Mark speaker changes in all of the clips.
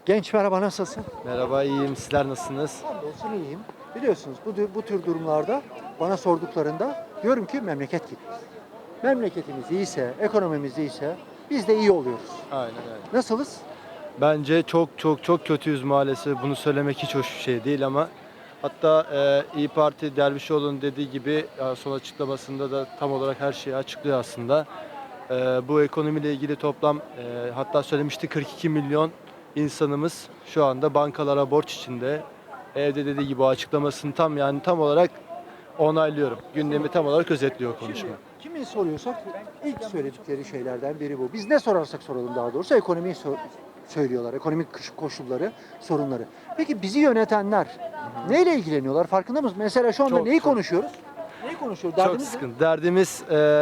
Speaker 1: Genç merhaba, nasılsın?
Speaker 2: Merhaba, iyiyim. Sizler nasılsınız?
Speaker 1: Hamdolsun iyiyim. Biliyorsunuz bu tür durumlarda bana sorduklarında diyorum ki memleket gitmez. Memleketimiz iyiyse, ekonomimiz iyiyse biz de iyi oluyoruz.
Speaker 2: Aynen öyle.
Speaker 1: Nasılız?
Speaker 2: Bence çok kötüyüz maalesef. Bunu söylemek hiç hoş bir şey değil ama hatta İyi Parti Dervişoğlu'nun dediği gibi son açıklamasında da tam olarak her şeyi açıklıyor aslında. Bu ekonomiyle ilgili toplam hatta söylemişti 42 milyon insanımız şu anda bankalara borç içinde. Evde dediği gibi o açıklamasını tam olarak onaylıyorum. Gündemi tam olarak özetliyor konuşma.
Speaker 1: Şimdi kimi soruyorsak ilk söyledikleri şeylerden biri bu. Biz ne sorarsak soralım daha doğrusu ekonomiyi söylüyorlar. Ekonomik koşulları, sorunları. Peki bizi yönetenler neyle ilgileniyorlar? Farkında mısın? Mesela şu anda neyi konuşuyoruz? Neyi konuşuyoruz?
Speaker 2: Çok
Speaker 1: Derdimiz ne?
Speaker 2: sıkıntı. Derdimiz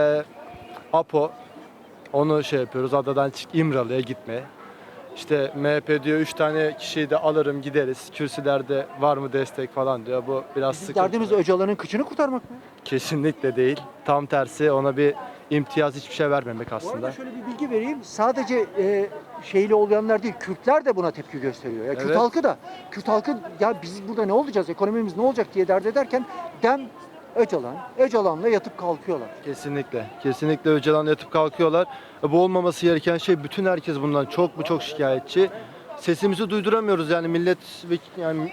Speaker 2: Apo. Onu şey yapıyoruz. Adadan çık İmralı'ya gitme. İşte MHP diyor 3 tane kişiyi de alırım gideriz. Kürsülerde var mı destek falan diyor. Bu biraz
Speaker 1: Bizim
Speaker 2: sıkıntı.
Speaker 1: derdimiz Öcalan'ın kıçını kurtarmak mı?
Speaker 2: Kesinlikle değil. Tam tersi ona bir imtiyaz hiçbir şey vermemek
Speaker 1: Bu arada
Speaker 2: aslında.
Speaker 1: şöyle bir bilgi vereyim. Sadece şeyli olmayanlar değil, Kürtler de buna tepki gösteriyor. Ya Kürt
Speaker 2: Evet.
Speaker 1: halkı da, Kürt halkı ya biz burada ne olacağız, ekonomimiz ne olacak diye dert ederken dem Öcalan'la yatıp kalkıyorlar.
Speaker 2: Kesinlikle. Kesinlikle Öcalan'la yatıp kalkıyorlar. Bu olmaması gereken şey, bütün herkes bundan çok şikayetçi. Sesimizi duyduramıyoruz yani millet yani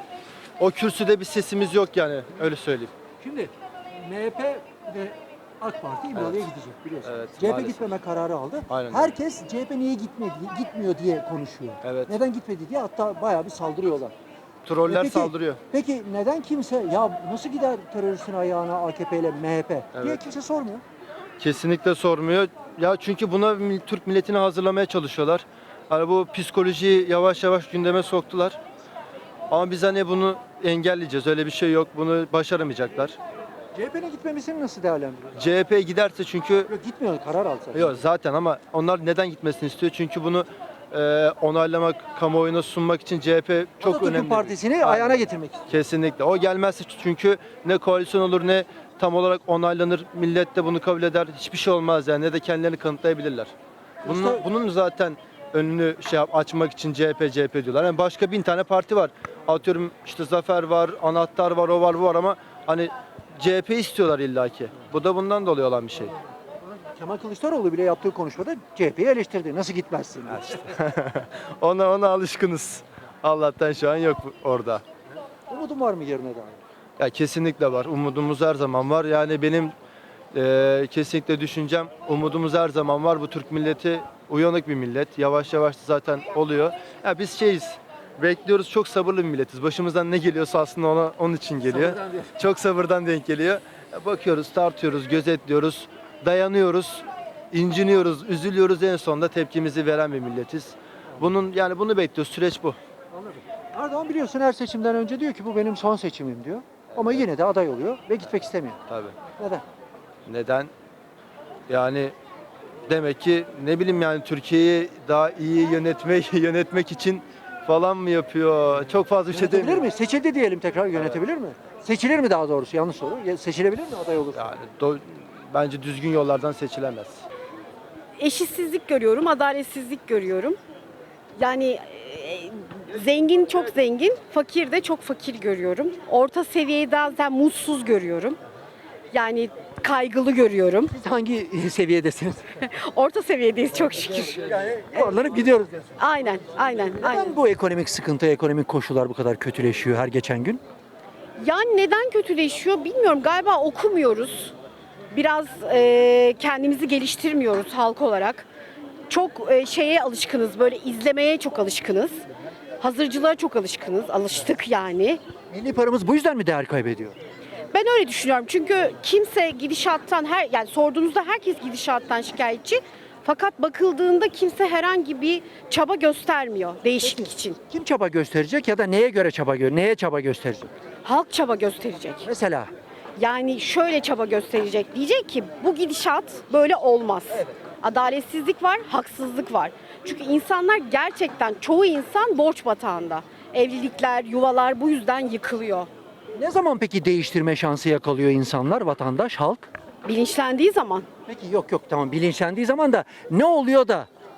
Speaker 2: o kürsüde bir sesimiz yok yani öyle söyleyeyim.
Speaker 1: Şimdi MHP ve AK Parti İmralı'ya
Speaker 2: Evet.
Speaker 1: gidecek biliyorsun.
Speaker 2: Evet,
Speaker 1: CHP
Speaker 2: maalesef.
Speaker 1: gitmeme kararı aldı.
Speaker 2: Aynen öyle.
Speaker 1: Herkes CHP niye gitmiyor diye konuşuyor.
Speaker 2: Evet.
Speaker 1: Neden gitmedi diye hatta bayağı bir saldırıyorlar.
Speaker 2: Troller
Speaker 1: Peki-
Speaker 2: saldırıyor.
Speaker 1: Peki neden kimse ya nasıl gider teröristin ayağına AKP ile MHP diye
Speaker 2: Evet.
Speaker 1: kimse sormuyor.
Speaker 2: Kesinlikle sormuyor. Ya çünkü buna Türk milletini hazırlamaya çalışıyorlar. Hani bu psikolojiyi yavaş yavaş gündeme soktular. Ama biz hani bunu engelleyeceğiz. Öyle bir şey yok. Bunu başaramayacaklar.
Speaker 1: CHP'nin gitmemesini nasıl değerlendiriyorsun?
Speaker 2: CHP giderse çünkü
Speaker 1: Yok gitmiyor, karar alsa.
Speaker 2: yok zaten ama onlar neden gitmesini istiyor? Çünkü bunu onaylamak, kamuoyuna sunmak için CHP çok
Speaker 1: Atatürk'ün
Speaker 2: önemli.
Speaker 1: partisini
Speaker 2: Aynen.
Speaker 1: ayağına getirmek istiyor.
Speaker 2: Kesinlikle. O gelmezse çünkü ne koalisyon olur ne tam olarak onaylanır. Millet de bunu kabul eder. Hiçbir şey olmaz yani. Ne de kendilerini kanıtlayabilirler. Bunun zaten önünü açmak için CHP diyorlar. Yani başka 1000 tane parti var. Atıyorum işte Zafer var, Anahtar var, o var, bu var ama hani CHP istiyorlar illaki. Bu da bundan dolayı olan bir şey.
Speaker 1: Kemal Kılıçdaroğlu bile yaptığı konuşmada CHP'yi eleştirdi. Nasıl gitmezsin diye.
Speaker 2: Ona alışkınız. Allah'tan şu an yok orada.
Speaker 1: Umudun var mı yerine dair?
Speaker 2: Ya kesinlikle var. Umudumuz her zaman var. Yani benim kesinlikle düşüncem umudumuz her zaman var. Bu Türk milleti uyanık bir millet. Yavaş yavaş da zaten oluyor. Ya biz bekliyoruz. Çok sabırlı bir milletiz. Başımızdan ne geliyorsa aslında onun için geliyor.
Speaker 1: Sabırdan değil.
Speaker 2: Çok sabırdan denk geliyor. Ya bakıyoruz, tartıyoruz, gözetliyoruz, dayanıyoruz, inciniyoruz, üzülüyoruz. En sonunda tepkimizi veren bir milletiz. Bunu bekliyoruz. Süreç bu.
Speaker 1: Anladım. Erdoğan biliyorsun her seçimden önce diyor ki bu benim son seçimim diyor. Ama yine de aday oluyor ve gitmek istemiyor.
Speaker 2: Tabii.
Speaker 1: Neden?
Speaker 2: Neden? Yani demek ki ne bileyim yani Türkiye'yi daha iyi yönetmek için falan mı yapıyor? Çok fazla bir şey
Speaker 1: Yönetebilir
Speaker 2: demiyorum.
Speaker 1: mi? Seçildi diyelim tekrar yönetebilir mi? Seçilir mi daha doğrusu? Yanlış soru. Seçilebilir mi aday olursa?
Speaker 2: Yani bence düzgün yollardan seçilemez.
Speaker 3: Eşitsizlik görüyorum, adaletsizlik görüyorum. Yani zengin çok zengin, fakir de çok fakir görüyorum. Orta seviyeyi zaten mutsuz görüyorum. Yani kaygılı görüyorum.
Speaker 1: Siz hangi seviyedesiniz?
Speaker 3: Orta seviyedeyiz çok şükür.
Speaker 1: Yuvarlanıp gidiyoruz diyorsun.
Speaker 3: Aynen.
Speaker 1: Neden bu ekonomik sıkıntı, ekonomik koşullar bu kadar kötüleşiyor her geçen gün?
Speaker 3: Yani neden kötüleşiyor bilmiyorum. Galiba okumuyoruz. Biraz kendimizi geliştirmiyoruz halk olarak. Çok şeye alışkınız, böyle izlemeye çok alışkınız. Hazırcılığa çok alıştık yani.
Speaker 1: Milli paramız bu yüzden mi değer kaybediyor?
Speaker 3: Ben öyle düşünüyorum. Çünkü kimse gidişattan yani sorduğunuzda herkes gidişattan şikayetçi. Fakat bakıldığında kimse herhangi bir çaba göstermiyor değişiklik için.
Speaker 1: Kim çaba gösterecek ya da neye çaba gösterecek?
Speaker 3: Halk çaba gösterecek.
Speaker 1: Mesela
Speaker 3: Yani şöyle çaba gösterecek. Diyecek ki bu gidişat böyle olmaz. Adaletsizlik var, haksızlık var. Çünkü insanlar gerçekten çoğu insan borç batağında. Evlilikler, yuvalar bu yüzden yıkılıyor.
Speaker 1: ne zaman peki değiştirme şansı yakalıyor insanlar, vatandaş, halk?
Speaker 3: Bilinçlendiği zaman
Speaker 1: Peki yok tamam bilinçlendiği zaman da ne oluyor da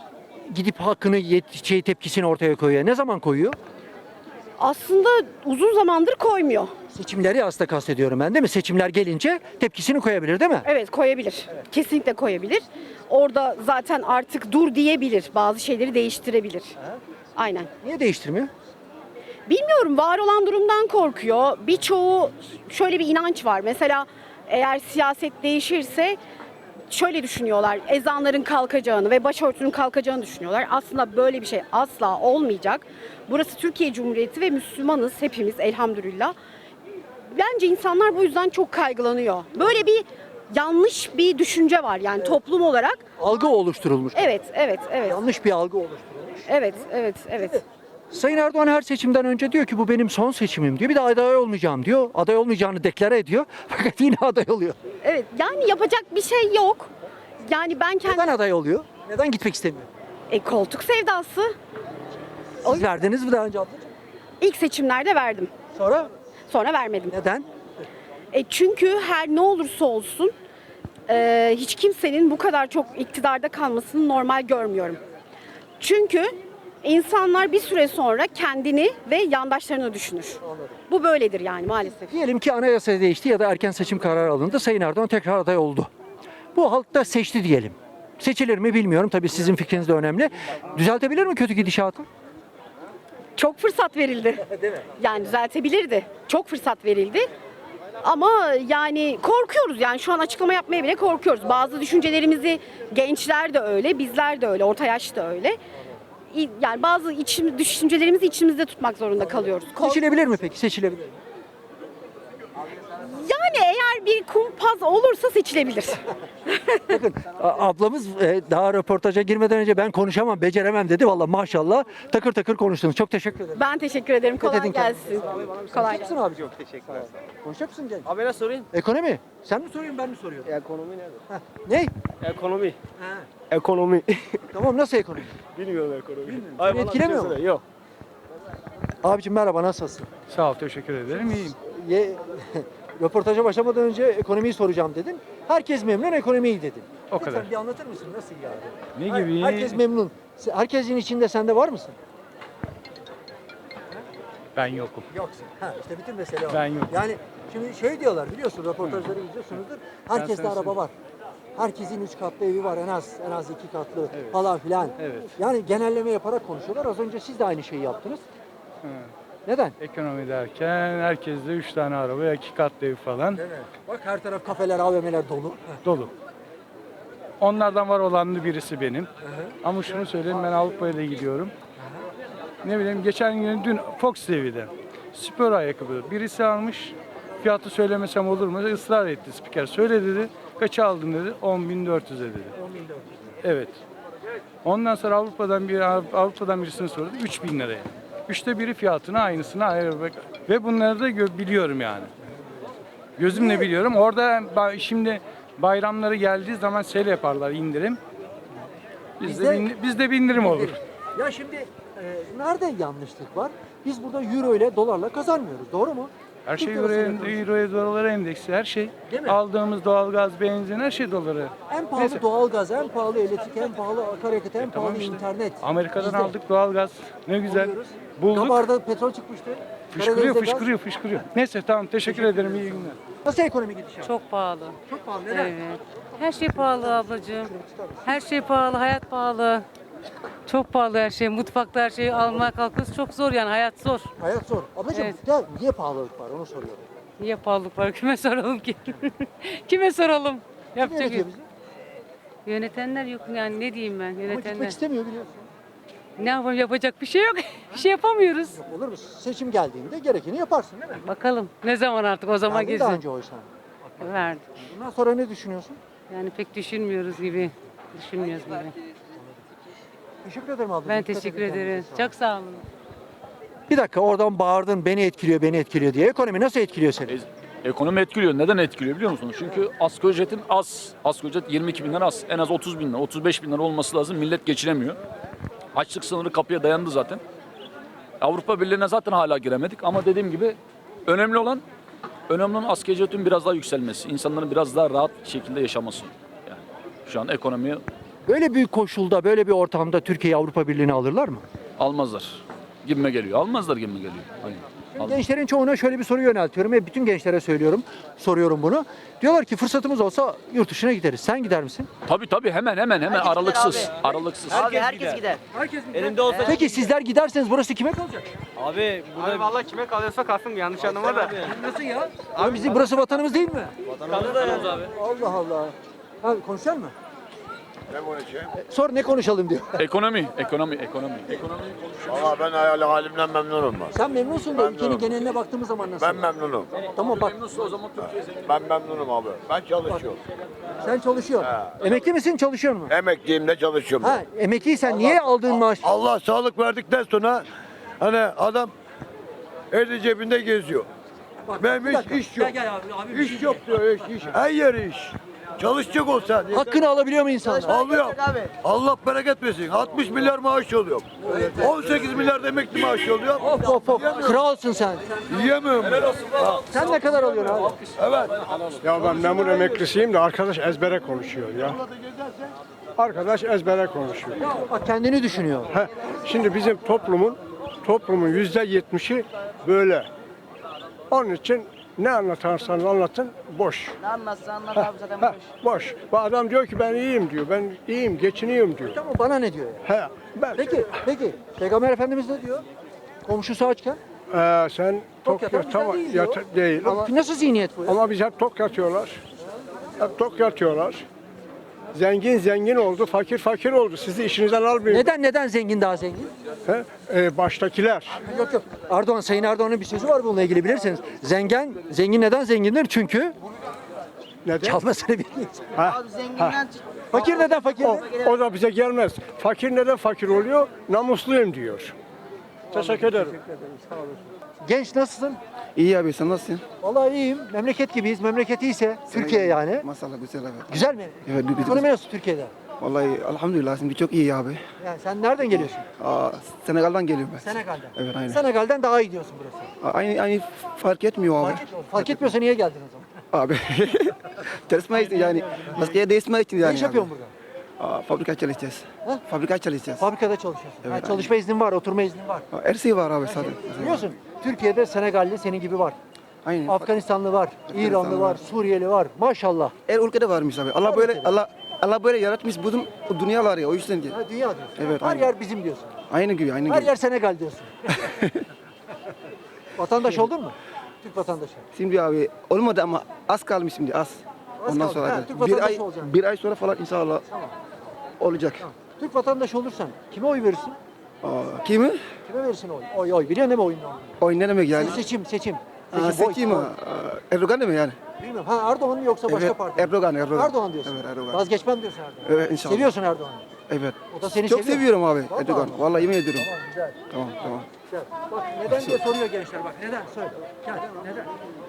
Speaker 1: gidip hakkını tepkisini ortaya koyuyor? Ne zaman koyuyor?
Speaker 3: Aslında uzun zamandır koymuyor.
Speaker 1: Seçimleri aslında kastediyorum ben, değil mi? Seçimler gelince tepkisini koyabilir, değil mi?
Speaker 3: Evet, koyabilir. Kesinlikle koyabilir. Orada zaten artık dur diyebilir. Bazı şeyleri değiştirebilir. Aynen.
Speaker 1: Niye değiştirmiyor?
Speaker 3: Bilmiyorum, var olan durumdan korkuyor. Birçoğu şöyle bir inanç var. Mesela eğer siyaset değişirse şöyle düşünüyorlar. Ezanların kalkacağını ve başörtünün kalkacağını düşünüyorlar. Aslında böyle bir şey asla olmayacak. Burası Türkiye Cumhuriyeti ve Müslümanız hepimiz elhamdülillah. Bence insanlar bu yüzden çok kaygılanıyor. Böyle bir yanlış bir düşünce var yani toplum olarak.
Speaker 1: Algı oluşturulmuş.
Speaker 3: Evet, evet, evet.
Speaker 1: Yanlış bir algı oluşturulmuş.
Speaker 3: Evet, evet, evet.
Speaker 1: Sayın Erdoğan her seçimden önce diyor ki bu benim son seçimim diyor. Bir de aday olmayacağım diyor. Aday olmayacağını deklare ediyor. Fakat yine aday oluyor.
Speaker 3: Evet, yani yapacak bir şey yok. Yani ben
Speaker 1: Neden
Speaker 3: kendi
Speaker 1: aday oluyor? Neden gitmek istemiyor?
Speaker 3: koltuk sevdası.
Speaker 1: Siz verdiniz mi daha önce ablacığım?
Speaker 3: İlk seçimlerde verdim.
Speaker 1: Sonra
Speaker 3: Sonra vermedim.
Speaker 1: neden?
Speaker 3: Çünkü her ne olursa olsun hiç kimsenin bu kadar çok iktidarda kalmasını normal görmüyorum. Çünkü insanlar bir süre sonra kendini ve yandaşlarını düşünür. Bu böyledir yani maalesef.
Speaker 1: Diyelim ki anayasa değişti ya da erken seçim kararı alındı. Sayın Erdoğan tekrar aday oldu. Bu halk da seçti diyelim. Seçilir mi bilmiyorum. Tabii sizin fikriniz de önemli. Düzeltebilir mi kötü gidişatı?
Speaker 3: Çok fırsat verildi. Yani düzeltebilirdi. Çok fırsat verildi. Ama yani korkuyoruz yani şu an açıklama yapmaya bile korkuyoruz. Bazı düşüncelerimizi gençler de öyle, bizler de öyle, orta yaş da öyle. Yani bazı düşüncelerimizi içimizde tutmak zorunda kalıyoruz.
Speaker 1: Seçilebilir mi peki? Seçilebilir mi?
Speaker 3: Yani eğer bir kumpas olursa seçilebilir.
Speaker 1: Bakın ablamız daha röportaja girmeden önce ben konuşamam, beceremem dedi. Vallahi maşallah takır takır konuştunuz. Çok teşekkür ederim.
Speaker 3: Ben teşekkür ederim. Kolay
Speaker 1: edin
Speaker 3: gelsin. Kolay gelsin.
Speaker 1: Konuşacak mısın abi? Çok teşekkürler. Konuşacak mısın Cenk?
Speaker 4: Abi ne sorayım?
Speaker 1: Ekonomi. Sen mi soruyorsun ben mi soruyorum?
Speaker 4: Ekonomi nedir?
Speaker 1: Ne?
Speaker 4: Ekonomi. Ekonomi.
Speaker 1: Tamam nasıl ekonomi?
Speaker 4: Bilmiyorum ekonomi.
Speaker 1: Seni etkilemiyor mu?
Speaker 4: Yok.
Speaker 1: Abicim merhaba nasılsın?
Speaker 5: Sağ ol, teşekkür ederim. İyiyim.
Speaker 1: Röportaja başlamadan önce ekonomiyi soracağım dedin. Herkes memnun, ekonomi iyi dedin.
Speaker 5: O
Speaker 1: Lütfen
Speaker 5: kadar.
Speaker 1: bir anlatır mısın? Nasıl yani?
Speaker 5: Ne gibi?
Speaker 1: Herkes memnun. Herkesin içinde sen de var mısın?
Speaker 5: Ben yokum.
Speaker 1: Yoksun. Ha, işte bütün mesele o.
Speaker 5: Ben yokum.
Speaker 1: Yani şimdi şey diyorlar biliyorsun röportajları izliyorsunuzdur. Herkeste
Speaker 5: sana
Speaker 1: araba
Speaker 5: söyleyeyim.
Speaker 1: var. Herkesin 3 katlı evi var en az 2 katlı falan filan.
Speaker 5: Evet.
Speaker 1: Yani genelleme yaparak konuşuyorlar. Az önce siz de aynı şeyi yaptınız.
Speaker 5: Hı.
Speaker 1: Neden?
Speaker 5: Ekonomi derken herkeste 3 tane araba, 2 katlı ev falan
Speaker 1: Bak her taraf kafeler, AVM'ler dolu.
Speaker 5: dolu. Onlardan var olanlı birisi benim. Ama şunu söyleyeyim, ben Avrupa'ya da gidiyorum. Ne bileyim, geçen gün dün Fox TV'de spor ayakkabı birisi almış. Fiyatı söylemesem olur mu? Israr etti spiker. Söyle dedi. Kaça aldın dedi. 10.400'e dedi.
Speaker 1: 10.400.
Speaker 5: Evet. Ondan sonra Avrupa'dan birisine sordu. 3.000 liraya. Üçte biri fiyatına aynısını ayırmak. Ve bunları da biliyorum yani. Gözümle biliyorum. Orada şimdi bayramları geldiği zaman sel yaparlar indirim. Bizde bir indirim olur.
Speaker 1: Ya şimdi nerede yanlışlık var? Biz burada euro ile dolarla kazanmıyoruz. Doğru mu?
Speaker 5: Her şey
Speaker 1: Türk lirasıyla konuşuyoruz.
Speaker 5: euroya, dolara endeksi. Her şey.
Speaker 1: Değil mi?
Speaker 5: Aldığımız doğalgaz, benzin her şey dolara.
Speaker 1: En pahalı
Speaker 5: Neyse.
Speaker 1: doğalgaz, en pahalı elektrik, en pahalı akaryakıt, en
Speaker 5: Tamam
Speaker 1: pahalı
Speaker 5: işte.
Speaker 1: internet.
Speaker 5: Amerika'dan
Speaker 1: Bizde.
Speaker 5: aldık doğalgaz. Ne güzel.
Speaker 1: Buluyoruz.
Speaker 5: Bulduk.
Speaker 1: Gabar'da petrol çıkmıştı.
Speaker 5: Fışkırıyor,
Speaker 1: Karadeniz'de gaz.
Speaker 5: fışkırıyor, fışkırıyor. Neyse tamam teşekkür ederim. İyi günler.
Speaker 1: Nasıl ekonomi gidişat?
Speaker 6: Çok pahalı.
Speaker 1: Çok pahalı. Neden?
Speaker 6: Evet. Her şey pahalı ablacığım. Her şey pahalı, hayat pahalı. Çok pahalı her şey. Mutfakta her şeyi almaya kalkıyoruz. Çok zor yani hayat zor.
Speaker 1: Hayat zor. Ablacığım
Speaker 6: Evet.
Speaker 1: ya niye pahalılık var onu soruyorum.
Speaker 6: Niye pahalılık var? Kime soralım ki? Kime soralım?
Speaker 1: Kim
Speaker 6: Yapacak
Speaker 1: yönetiyor
Speaker 6: bir-
Speaker 1: bizi?
Speaker 6: Yönetenler yok yani ne diyeyim ben
Speaker 1: Ama gitmek
Speaker 6: yönetenler.
Speaker 1: istemiyor biliyorsun.
Speaker 6: Ne yapalım yapacak bir şey yok. Bir şey yapamıyoruz.
Speaker 1: Olur mu? Seçim geldiğinde gerekeni yaparsın değil mi?
Speaker 6: Bakalım ne zaman artık o zaman
Speaker 1: Verdin daha
Speaker 6: gezin.
Speaker 1: önce oysa.
Speaker 6: Verdik.
Speaker 1: Bundan sonra ne düşünüyorsun?
Speaker 6: Yani pek düşünmüyoruz gibi. Düşünmüyoruz gibi.
Speaker 1: Teşekkür ederim abla.
Speaker 6: Ben
Speaker 1: Dikkat
Speaker 6: teşekkür
Speaker 1: edin
Speaker 6: ederim.
Speaker 1: kendinize.
Speaker 6: Çok sağ olun.
Speaker 1: Bir dakika oradan bağırdın beni etkiliyor beni etkiliyor diye. Ekonomi nasıl etkiliyor seni?
Speaker 7: Ekonomi etkiliyor. Neden etkiliyor biliyor musunuz? Çünkü asgari ücretin az. Asgari ücret 22 bin lira az. En az 30 bin lira, 35 bin lira olması lazım. Millet geçinemiyor. Açlık sınırı kapıya dayandı zaten. Avrupa Birliği'ne zaten hala giremedik. Ama dediğim gibi önemli olan asgari ücretin biraz daha yükselmesi. İnsanların biraz daha rahat şekilde yaşaması. Yani şu an ekonomiyi
Speaker 1: Böyle büyük koşulda, böyle bir ortamda Türkiye'yi Avrupa Birliği'ne alırlar mı?
Speaker 7: Almazlar. Gibime geliyor. Almazlar gibime geliyor. Aynen. Almaz.
Speaker 1: Gençlerin çoğuna şöyle bir soru yöneltiyorum ve bütün gençlere soruyorum bunu. Diyorlar ki fırsatımız olsa yurt dışına gideriz. Sen gider misin?
Speaker 7: Tabii hemen aralıksız. Aralıksız.
Speaker 8: Herkes gider. Elimde olsa
Speaker 1: Peki sizler giderseniz burası kime kalacak?
Speaker 8: abi vallahi kime kalıyorsa kalsın yanlış anlama da.
Speaker 1: Nasıl ya? Abi bizim burası vatanımız değil mi?
Speaker 8: Kalırız abi.
Speaker 1: Allah Allah. Abi konuşalım mı? Ne konuşayım? Sor ne konuşalım diyor.
Speaker 7: Ekonomi.
Speaker 9: Valla ben halimden memnunum ben.
Speaker 1: Sen memnunsun da ülkenin geneline baktığımız zaman nasıl?
Speaker 9: Ben memnunum.
Speaker 1: Tamam bak
Speaker 9: Ben memnunum abi. Ben çalışıyorum.
Speaker 1: sen çalışıyorsun. Emekli misin çalışıyor musun?
Speaker 9: Emekliyim de çalışıyorum.
Speaker 1: Ha emekliysen niye aldığın maaş?
Speaker 9: Allah sağlık verdikten sonra hani adam eli cebinde geziyor. Benim iş yok. İş yok diyor iş. Her yer iş. Çalışacak olsan.
Speaker 1: Hakkını alabiliyor mu insanlar?
Speaker 9: Alıyor. Allah bereket versin. 60 milyar maaş oluyor. 18 milyar da emekli maaşı oluyor.
Speaker 1: Of. Kralsın sen.
Speaker 9: Yiyemiyorum.
Speaker 1: Sen ne kadar alıyorsun abi?
Speaker 9: Evet.
Speaker 5: Ya ben memur emeklisiyim de arkadaş ezbere konuşuyor ya. Arkadaş ezbere konuşuyor.
Speaker 1: Bak kendini düşünüyor.
Speaker 5: Şimdi bizim toplumun %70'i böyle. Onun için ne anlatırsanız anlatın boş.
Speaker 8: Ne anlatsa anlat abi zaten
Speaker 5: Ha, boş. Bu adam diyor ki ben iyiyim diyor. Ben iyiyim, geçiniyorum diyor.
Speaker 1: Tamam bana ne diyor ya?
Speaker 5: He, ben.
Speaker 1: Peki. Peygamber Efendimiz ne diyor? Komşusu açken.
Speaker 5: Sen
Speaker 1: Tok
Speaker 5: tok
Speaker 1: yatan
Speaker 5: yat, tamam,
Speaker 1: güzel değil diyor.
Speaker 5: değil ama
Speaker 1: Nasıl zihniyet bu ya?
Speaker 5: ama biz hep tok yatıyorlar. Hep tok yatıyorlar. Zengin oldu, fakir oldu. Sizi işinizden almıyor.
Speaker 1: Neden zengin daha zengin?
Speaker 5: Baştakiler.
Speaker 1: Yok. Sayın Erdoğan'ın bir sözü var bununla ilgili bilirsiniz. Zengin neden zengindir? Çünkü
Speaker 5: Neden?
Speaker 1: çalmasını bilmiyor.
Speaker 8: Abi zenginden
Speaker 1: Fakir neden fakir?
Speaker 5: O da bize gelmez. Fakir neden fakir oluyor? Namusluyum diyor. Teşekkür ederim.
Speaker 1: Genç nasılsın?
Speaker 10: İyi abi sen nasılsın?
Speaker 1: Vallahi iyiyim. Memleket gibiyiz. Memleket iyiyse Türkiye yani.
Speaker 10: Maşallah güzel abi.
Speaker 1: Güzel mi?
Speaker 10: Evet,
Speaker 1: Ekonomi nasıl Türkiye'de?
Speaker 10: Vallahi elhamdülillah şimdi çok iyi abi.
Speaker 1: Yani sen nereden geliyorsun?
Speaker 10: Senegal'dan geliyorum ben.
Speaker 1: Senegal'den.
Speaker 10: Evet aynen.
Speaker 1: Senegal'den daha iyi diyorsun burası.
Speaker 10: Aynı fark etmiyor abi.
Speaker 1: Fark etmiyorsa niye geldin o zaman?
Speaker 10: Abi. Çalışma için yani. Maskeye değişmek için yani.
Speaker 1: Ne iş yapıyorsun burada?
Speaker 10: Fabrika çalışacağız.
Speaker 1: Ha?
Speaker 10: Fabrika çalışacağız.
Speaker 1: Fabrikada çalışıyorsun.
Speaker 10: Evet,
Speaker 1: Çalışma iznin var, oturma iznin var.
Speaker 10: Her şey var abi zaten.
Speaker 1: Biliyorsun Türkiye'de Senegalli senin gibi var.
Speaker 10: Aynen.
Speaker 1: Afganistanlı var, İranlı var, Suriyeli var. Maşallah.
Speaker 10: Her ülkede varmış abi. Allah
Speaker 1: Her
Speaker 10: böyle
Speaker 1: ülkede.
Speaker 10: Allah böyle yaratmış bu dünyalar ya o yüzden ki.
Speaker 1: Ha, dünya diyorsun.
Speaker 10: Evet,
Speaker 1: Her
Speaker 10: aynen.
Speaker 1: yer bizim diyorsun.
Speaker 10: Aynı gibi aynı
Speaker 1: Her
Speaker 10: gibi.
Speaker 1: yer Senegal diyorsun. Vatandaş oldun mu? Türk vatandaşı.
Speaker 10: Şimdi abi olmadı ama az kalmış şimdi az.
Speaker 1: Az
Speaker 10: Ondan
Speaker 1: kaldı.
Speaker 10: sonra
Speaker 1: Ha, Türk
Speaker 10: bir
Speaker 1: vatandaşı
Speaker 10: ay
Speaker 1: olacaksın.
Speaker 10: bir ay sonra falan inşallah olacak.
Speaker 1: Türk vatandaşı olursan kime oy verirsin?
Speaker 10: Kimi?
Speaker 1: Kime verirsin oy? Oy. Biliyorsun değil mi oyunu?
Speaker 10: Oy ne demek yani?
Speaker 1: Seçim.
Speaker 10: Seçim mi? Erdoğan değil mi yani?
Speaker 1: Bilmiyorum. Ha Erdoğan mı yoksa başka
Speaker 10: Evet,
Speaker 1: parti mi?
Speaker 10: Erdoğan.
Speaker 1: Erdoğan diyorsun.
Speaker 10: Evet, Erdoğan.
Speaker 1: Vazgeçmem diyorsun Erdoğan.
Speaker 10: Evet inşallah.
Speaker 1: Seviyorsun Erdoğan'ı.
Speaker 10: Evet.
Speaker 1: O da seni
Speaker 10: Çok
Speaker 1: seviyor.
Speaker 10: seviyorum abi
Speaker 1: Vallahi
Speaker 10: Erdoğan.
Speaker 1: mi?
Speaker 10: Vallahi yemin ediyorum.
Speaker 1: Tamam güzel.
Speaker 10: Tamam.
Speaker 1: Güzel. Bak neden diye soruyor gençler bak. Neden? Söyle. Gel. Neden?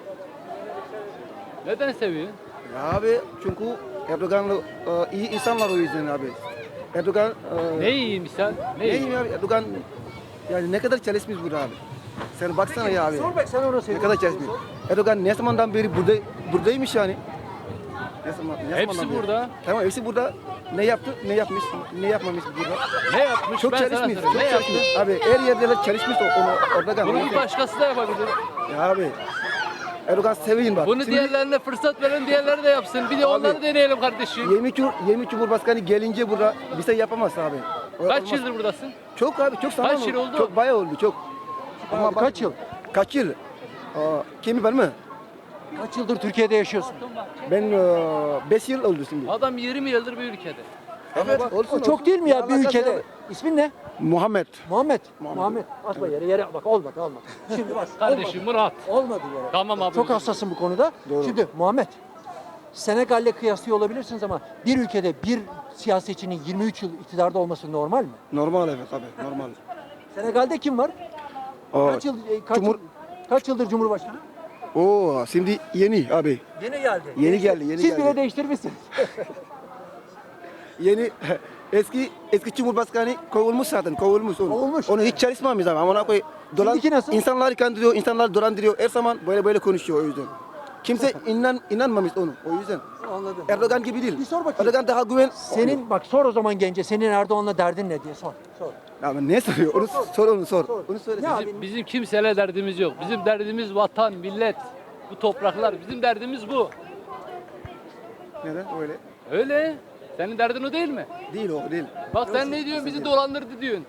Speaker 2: Neden seviyorsun?
Speaker 10: Ya abi çünkü Erdoğan'la iyi insanlar o yüzden abi. Erdoğan
Speaker 2: Ne iyiymiş sen?
Speaker 10: ne iyi abi Erdoğan yani ne kadar çalışmış burada abi. Sen baksana ya abi.
Speaker 1: Sor bak sen ona
Speaker 10: Ne
Speaker 1: söyle.
Speaker 10: kadar çalışmış. Erdoğan ne zamandan beri buradaymış yani. Ne zamandan
Speaker 2: Hepsi
Speaker 10: beri?
Speaker 2: burada.
Speaker 10: Tamam hepsi burada. Ne yaptı? Ne yapmış? Ne yapmamış burada?
Speaker 2: Ne yapmış?
Speaker 10: Çok
Speaker 2: ben sana
Speaker 10: çalışmış.
Speaker 2: sorayım.
Speaker 10: Çok
Speaker 2: Ne yaptı?
Speaker 10: çalışmış. Abi her yerde çalışmış onu Erdoğan.
Speaker 2: Bunu bir başkası da yapabilir.
Speaker 10: Ya abi. Erdoğan sevin bak.
Speaker 2: Bunu
Speaker 10: Şimdi
Speaker 2: diğerlerine fırsat verin, diğerleri de yapsın. Bir de onları deneyelim kardeşim.
Speaker 10: 20 Cumhurbaşkanı gelince burada bir şey yapamaz abi.
Speaker 2: Kaç
Speaker 10: Olmaz.
Speaker 2: yıldır buradasın?
Speaker 10: Çok abi çok zaman
Speaker 2: Kaç yıl oldu?
Speaker 10: Çok bayağı oldu çok.
Speaker 1: Abi,
Speaker 10: bak-
Speaker 1: kaç yıl?
Speaker 10: Kaç yıl? Kimi ben mi?
Speaker 1: Kaç yıldır Türkiye'de yaşıyorsun?
Speaker 10: Ben 5 yıl oldu şimdi.
Speaker 2: Adam 20 yıldır bir ülkede.
Speaker 10: Evet
Speaker 1: O çok değil mi ya bir ülkede? İsmin ne?
Speaker 10: Muhammed.
Speaker 1: Muhammed. Atma yere bak olmadı. Şimdi bak.
Speaker 2: Kardeşim Murat.
Speaker 1: Olmadı yere.
Speaker 2: Tamam abi.
Speaker 1: Çok hassasın bu konuda. Şimdi Muhammed. Senegal'le kıyaslıyor olabilirsiniz ama bir ülkede bir siyasetçinin 23 yıl iktidarda olması normal mi?
Speaker 10: Normal evet abi normal.
Speaker 1: Senegal'de kim var?
Speaker 10: Aa,
Speaker 1: Kaç yıldır Cumhurbaşkanı?
Speaker 10: Oo şimdi yeni abi.
Speaker 1: Yeni geldi.
Speaker 10: Yeni geldi.
Speaker 1: Siz bile değiştirmişsiniz.
Speaker 10: Yeni eski Cumhurbaşkanı kovulmuş zaten kovulmuş.
Speaker 1: Kovulmuş.
Speaker 10: Onu hiç çalışmamış ama ona koy.
Speaker 1: Şimdiki nasıl?
Speaker 10: İnsanları kandırıyor, insanları dolandırıyor. Her zaman böyle konuşuyor o yüzden. Kimse inanmamış onu. O yüzden.
Speaker 1: Anladım.
Speaker 10: Erdoğan gibi değil.
Speaker 1: Bir sor bakayım.
Speaker 10: Erdoğan daha güven.
Speaker 1: Senin bak sor o zaman gence senin Erdoğan'la derdin ne diye sor. Sor.
Speaker 10: Ya ne soruyor? Onu sor onu sor. Onu söyle.
Speaker 1: Ne abi?
Speaker 11: Bizim kimseyle derdimiz yok. Bizim derdimiz vatan, millet, bu topraklar. Bizim derdimiz bu.
Speaker 10: Neden öyle?
Speaker 11: Öyle. Senin derdin o değil mi?
Speaker 10: Değil o değil.
Speaker 11: Bak sen ne diyorsun? Bizi dolandırdı diyorsun.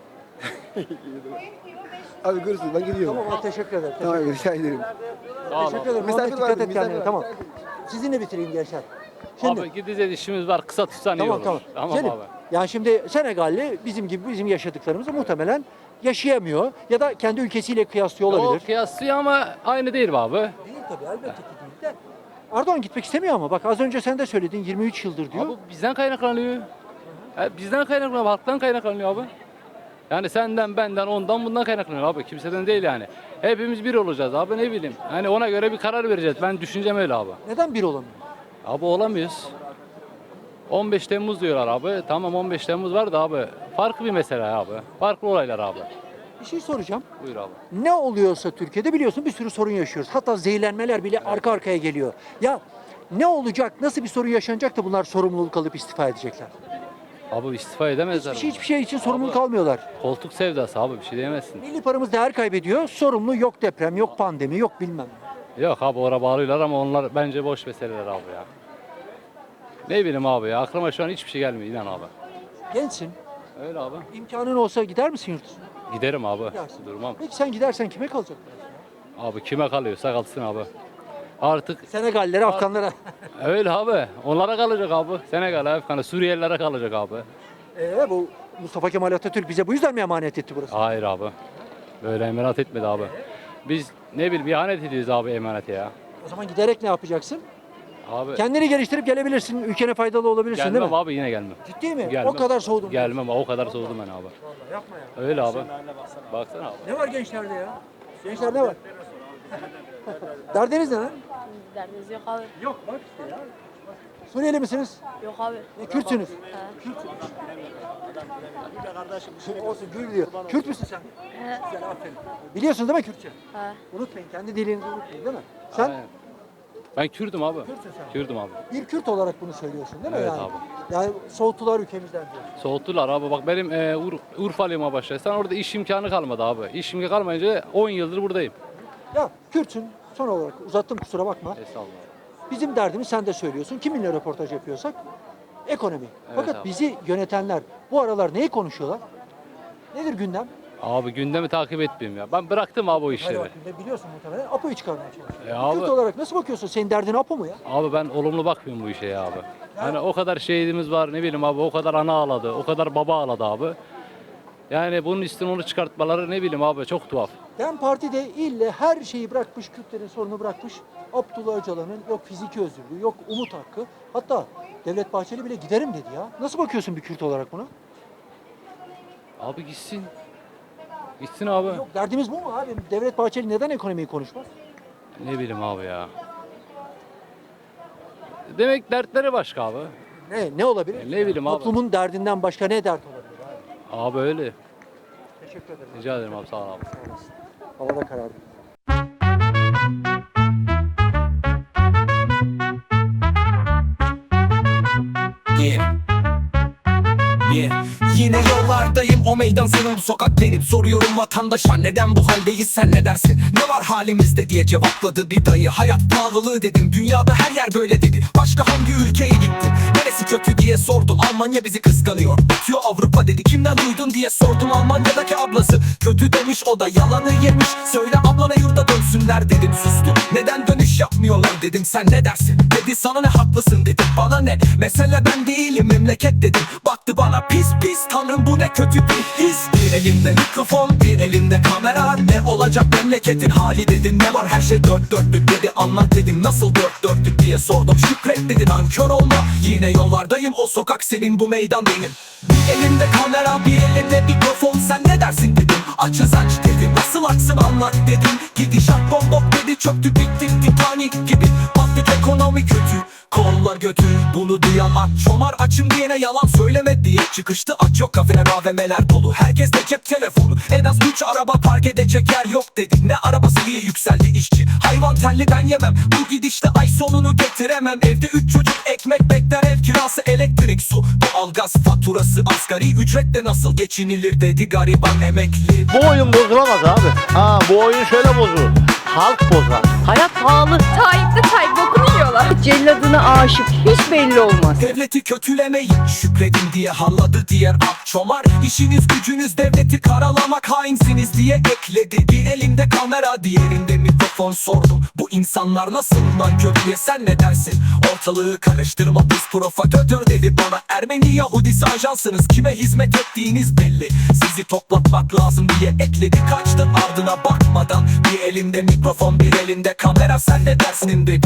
Speaker 10: Abi görürsün ben gidiyorum.
Speaker 1: Tamam abi, teşekkür ederim.
Speaker 10: Tamam rica ederim.
Speaker 11: Sağ ol.
Speaker 1: Teşekkür ederim.
Speaker 10: Misafir
Speaker 1: Muhammed,
Speaker 10: var,
Speaker 1: dikkat et
Speaker 10: misafir
Speaker 1: kendine.
Speaker 10: var.
Speaker 1: Tamam. Sizinle bitireyim gençler. Şimdi
Speaker 11: Abi gideceğiz, işimiz var. Kısa tutsan iyi
Speaker 1: tamam
Speaker 11: olur.
Speaker 1: tamam.
Speaker 11: Tamam
Speaker 1: Selim,
Speaker 11: abi.
Speaker 1: yani şimdi Senegalli bizim gibi bizim yaşadıklarımızı muhtemelen yaşayamıyor ya da kendi ülkesiyle kıyaslıyor
Speaker 11: O
Speaker 1: olabilir.
Speaker 11: kıyaslıyor ama aynı değil be abi.
Speaker 1: Değil tabii elbette ki değil de. Erdoğan gitmek istemiyor ama bak az önce sen de söyledin 23 yıldır diyor.
Speaker 11: Abi bizden kaynaklanıyor. Bizden kaynaklanıyor, halktan kaynaklanıyor abi. Yani senden, benden, ondan, bundan kaynaklanıyor abi. Kimseden değil yani. Hepimiz bir olacağız abi, ne bileyim. Hani ona göre bir karar vereceğiz. Ben düşüncem öyle abi.
Speaker 1: Neden bir olamıyor?
Speaker 11: Abi olamıyoruz. 15 Temmuz diyorlar abi. Tamam 15 Temmuz var da abi. Farklı bir mesele abi. Farklı olaylar abi.
Speaker 1: Bir şey soracağım.
Speaker 11: Buyur abi.
Speaker 1: Ne oluyorsa Türkiye'de biliyorsun bir sürü sorun yaşıyoruz. Hatta zehirlenmeler bile arka arkaya geliyor. Ya ne olacak, nasıl bir sorun yaşanacak da bunlar sorumluluk alıp istifa edecekler?
Speaker 11: Abi istifa edemezler.
Speaker 1: Hiçbir şey için sorumluluk almıyorlar.
Speaker 11: Koltuk sevdası abi, bir şey diyemezsin.
Speaker 1: Milli paramız değer kaybediyor. Sorumlu yok deprem, yok pandemi, yok bilmem.
Speaker 11: Yok abi oraya bağlıyorlar ama onlar bence boş meseleler abi ya. Ne bileyim abi ya, aklıma şu an hiçbir şey gelmiyor inan abi.
Speaker 1: Gençsin.
Speaker 11: Öyle abi.
Speaker 1: İmkanın olsa gider misin yurt dışına?
Speaker 11: Giderim abi.
Speaker 1: Gidersin.
Speaker 11: Durmam.
Speaker 1: Peki sen gidersen kime kalacak?
Speaker 11: Abi kime kalıyorsa kalsın abi. Artık
Speaker 1: Senegallilere, Afganlara.
Speaker 11: öyle abi. Onlara kalacak abi. Senegal, Afgan, Suriyelilere kalacak abi.
Speaker 1: Bu Mustafa Kemal Atatürk bize bu yüzden mi emanet etti burası?
Speaker 11: Hayır abi. Böyle emanet etmedi abi. Biz ne bileyim ihanet ediyoruz abi emanete ya.
Speaker 1: O zaman giderek ne yapacaksın?
Speaker 11: Abi
Speaker 1: Kendini geliştirip gelebilirsin. Ülkene faydalı olabilirsin değil
Speaker 11: gelmem
Speaker 1: mi?
Speaker 11: abi yine gelmem.
Speaker 1: Ciddi mi?
Speaker 11: Gelmem.
Speaker 1: O kadar soğudum.
Speaker 11: Gelmem o kadar soğudum ben abi.
Speaker 1: Yapma ya.
Speaker 11: Öyle abi. Baksana abi.
Speaker 1: Ne var gençlerde ya? Gençler ne var? Derdiniz ne lan?
Speaker 12: Derdiniz yok abi.
Speaker 1: Yok bak işte ya. Suriyeli misiniz?
Speaker 12: Yok abi.
Speaker 1: Kürtsünüz.
Speaker 12: He.
Speaker 1: Kürtsünüz. Olsun gül diyor. Kürt müsün sen?
Speaker 12: He.
Speaker 1: Güzel aferin. Biliyorsun değil mi Kürtçe?
Speaker 12: He.
Speaker 1: Unutmayın. Kendi dilinizi unutmayın değil mi? Sen
Speaker 11: Aynen. Ben Kürdüm abi.
Speaker 1: Kürtsün sen.
Speaker 11: Kürdüm abi.
Speaker 1: Bir Kürt olarak bunu söylüyorsun değil mi?
Speaker 11: Evet
Speaker 1: yani?
Speaker 11: abi.
Speaker 1: Yani soğuttular ülkemizden diyor.
Speaker 11: Soğuttular abi. Bak benim Urfalıyım başlasan orada iş imkanı kalmadı abi. İş imkanı kalmayınca 10 yıldır buradayım.
Speaker 1: Ya Kürtsün son olarak uzattım kusura bakma.
Speaker 11: Estağfurullah.
Speaker 1: Bizim derdimiz sen de söylüyorsun. Kiminle röportaj yapıyorsak ekonomi. Fakat
Speaker 11: abi.
Speaker 1: bizi yönetenler bu aralar neyi konuşuyorlar? Nedir gündem?
Speaker 11: Abi gündemi takip etmiyorum ya. Ben bıraktım abi o işleri.
Speaker 1: Hayır, biliyorsun muhtemelen APO'yu çıkarmaya çalışıyor.
Speaker 11: abi.
Speaker 1: Kürt olarak nasıl bakıyorsun? Senin derdin APO mu ya?
Speaker 11: Abi ben olumlu bakmıyorum bu işe ya abi. Hani o kadar şehidimiz var ne bileyim abi o kadar ana ağladı, o kadar baba ağladı abi. Yani bunun üstüne onu çıkartmaları ne bileyim abi çok tuhaf.
Speaker 1: DEM Parti de ille her şeyi bırakmış, Kürtlerin sorunu bırakmış. Abdullah Öcalan'ın yok fiziki özgürlüğü, yok umut hakkı. Hatta Devlet Bahçeli bile giderim dedi ya. Nasıl bakıyorsun bir Kürt olarak buna?
Speaker 11: Abi gitsin. Gitsin abi.
Speaker 1: Yok derdimiz bu mu abi? Devlet Bahçeli neden ekonomiyi konuşmaz?
Speaker 11: Ne bileyim abi ya. Demek dertleri başka abi.
Speaker 1: Ne olabilir?
Speaker 11: Ne bileyim abi.
Speaker 1: Toplumun derdinden başka ne dert olabilir abi?
Speaker 11: Abi öyle.
Speaker 1: Teşekkür ederim.
Speaker 11: Rica ederim abi sağ ol abi.
Speaker 1: Havada karardı.
Speaker 13: Yine yollardayım o meydan senin bu sokak benim. Soruyorum vatandaşa neden bu haldeyiz sen ne dersin? Ne var halimizde diye cevapladı bir dayı. Hayat pahalılığı dedim dünyada her yer böyle dedi. Başka hangi ülkeye gittin? Neresi kötü diye sordum. Almanya bizi kıskanıyor. Bitiyor Avrupa dedi. Kimden duydun diye sordum. Almanya'daki ablası kötü demiş, o da yalanı yemiş. Söyle ablana yurda dönsünler dedim, sustu. Neden dönüş yapmıyorlar dedim, sen ne dersin? Dedi sana ne, haklısın dedim, bana ne? Mesele ben değilim memleket dedim. Baktı bana pis pis, tanrım bu ne kötü bir his. Bir elimde mikrofon, bir elimde kamera. Ne olacak memleketin hali dedim. Ne var, her şey dört dörtlük dedi. Anlat dedim, nasıl dört dörtlük diye sordum. Şükret dedi, nankör olma. Yine yollardayım, o sokak senin, bu meydan benim. Bir elimde kamera, bir elimde mikrofon. Sen ne dersin dedim, açız aç dedim. Nasıl aksın anlat dedim. Gidişat bombok dedi, çöktü bitti Titanic gibi. Patlık ekonomi kötü, kolla dolar götü. Bunu duyan aç çomar, açım diyene yalan söyleme diye çıkıştı. Aç yok, kafeler AVM'ler dolu, herkes de cep telefonu. En az 3 araba park edecek yer yok dedi. Ne arabası diye yükseldi işçi. Hayvan telli ben yemem, bu gidişte ay sonunu getiremem. Evde 3 çocuk ekmek bekler, ev kirası, elektrik, su, doğalgaz faturası, asgari ücretle nasıl geçinilir dedi gariban emekli.
Speaker 9: Bu oyun bozulamaz abi. Ha, bu oyun şöyle bozulur. Halk bozar.
Speaker 3: Hayat pahalı. Tayyip bokunu yiyorlar. Celladına aşık hiç belli olmaz.
Speaker 13: Devleti kötülemeyin, şükredin diye halladı diğer akçomar. İşiniz gücünüz devleti karalamak, hainsiniz diye ekledi. Bir elinde kamera, diğerinde mikrofon, sordum. Bu insanlar nasıl nankör diye, sen ne dersin? Ortalığı karıştırma, biz provokatör dedi bana. Ermeni Yahudisi ajansınız, kime hizmet ettiğiniz belli. Sizi toplatmak lazım diye ekledi, kaçtı ardına bakmadan. Bir elimde mikrofon, bir elinde kamera, sen ne dersin dedi.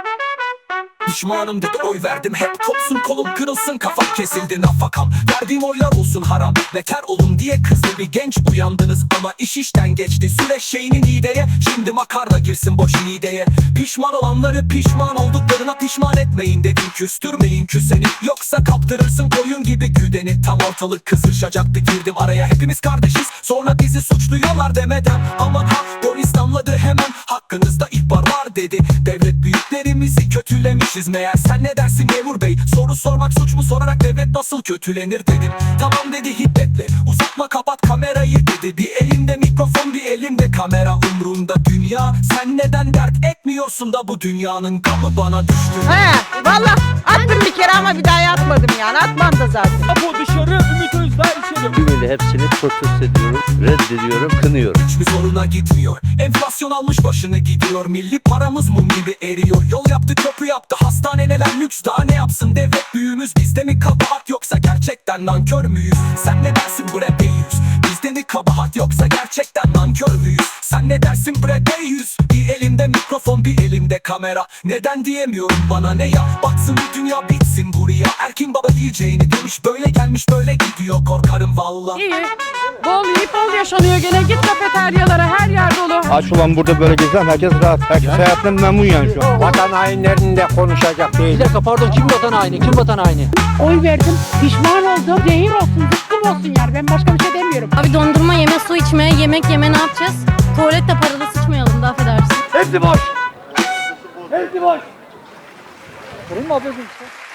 Speaker 13: Pişmanım dedi, oy verdim hep kopsun kolum kırılsın, kafam kesildi nafakam. Verdiğim oylar olsun haram, beter olun diye kızdı bir genç. Uyandınız ama iş işten geçti, süreç şeyinin ideye. Şimdi makarna girsin boş ideye. Pişman olanları pişman olduklarına pişman etmeyin dedim. Küstürmeyin küseni, yoksa kaptırırsın koyun gibi güdeni. Tam ortalık kızışacaktı, girdim araya, hepimiz kardeşiz. Sonra bizi suçluyorlar demeden, aman ha polis damladı hemen, hakkınızda ihbar var dedi. Devlet büyüklerimizi kötülemişiz meğer, sen ne dersin memur bey? Soru sormak suç mu, sorarak devlet nasıl kötülenir dedim. Tamam dedi hiddetle, uzatma kapat kamerayı dedi. Bir elimde mikrofon, bir elimde kamera, umrunda dünya. Sen neden dert etmiyorsun da bu dünyanın gamı bana düştü.
Speaker 3: He valla attım bir kere ama bir daha atmadım yani, atmam da zaten.
Speaker 4: Bu dışarı, Ümit Özdağ içeri.
Speaker 9: Tümüyle hepsini protesto ediyorum, reddediyorum, kınıyorum.
Speaker 13: Hiçbir zoruna gitmiyor, enflasyon almış başını gidiyor. Milli paramız mum gibi eriyor. Yol yaptı, köprü yaptı, hastaneler lüks, daha ne yapsın devlet büyüğümüz? Bizde mi kabahat, yoksa gerçekten nankör müyüz? Sen ne dersin bre beyüz? Bizde mi kabahat, yoksa gerçekten nankör müyüz? Sen ne dersin bre beyüz? Bir elimde mikrofon, bir elimde kamera. Neden diyemiyorum, bana ne ya? Baksın bu dünya, bitsin buraya. Erkin baba diyeceğini demiş, böyle gelmiş böyle gidiyor, korkarım valla.
Speaker 3: İyi. Bol yiyip bol yaşanıyor gene, git kafeteryalara, her yer dolu.
Speaker 9: Aç ulan burada böyle gezen herkes rahat. Herkes hayatından memnun yani şu an. Vatan hainlerinin de konuşacak değil.
Speaker 1: Bir dakika pardon, kim vatan haini? Kim vatan haini?
Speaker 3: Oy verdim, pişman oldum, zehir olsun, zıkkım olsun yani, ben başka bir şey demiyorum.
Speaker 6: Abi dondurma yeme, su içme, yemek yeme, ne yapacağız? Tuvalette paralı sıçmayalım da, affedersin.
Speaker 9: Hepsi boş. Hepsi boş.
Speaker 1: Sorun mu ablacığım?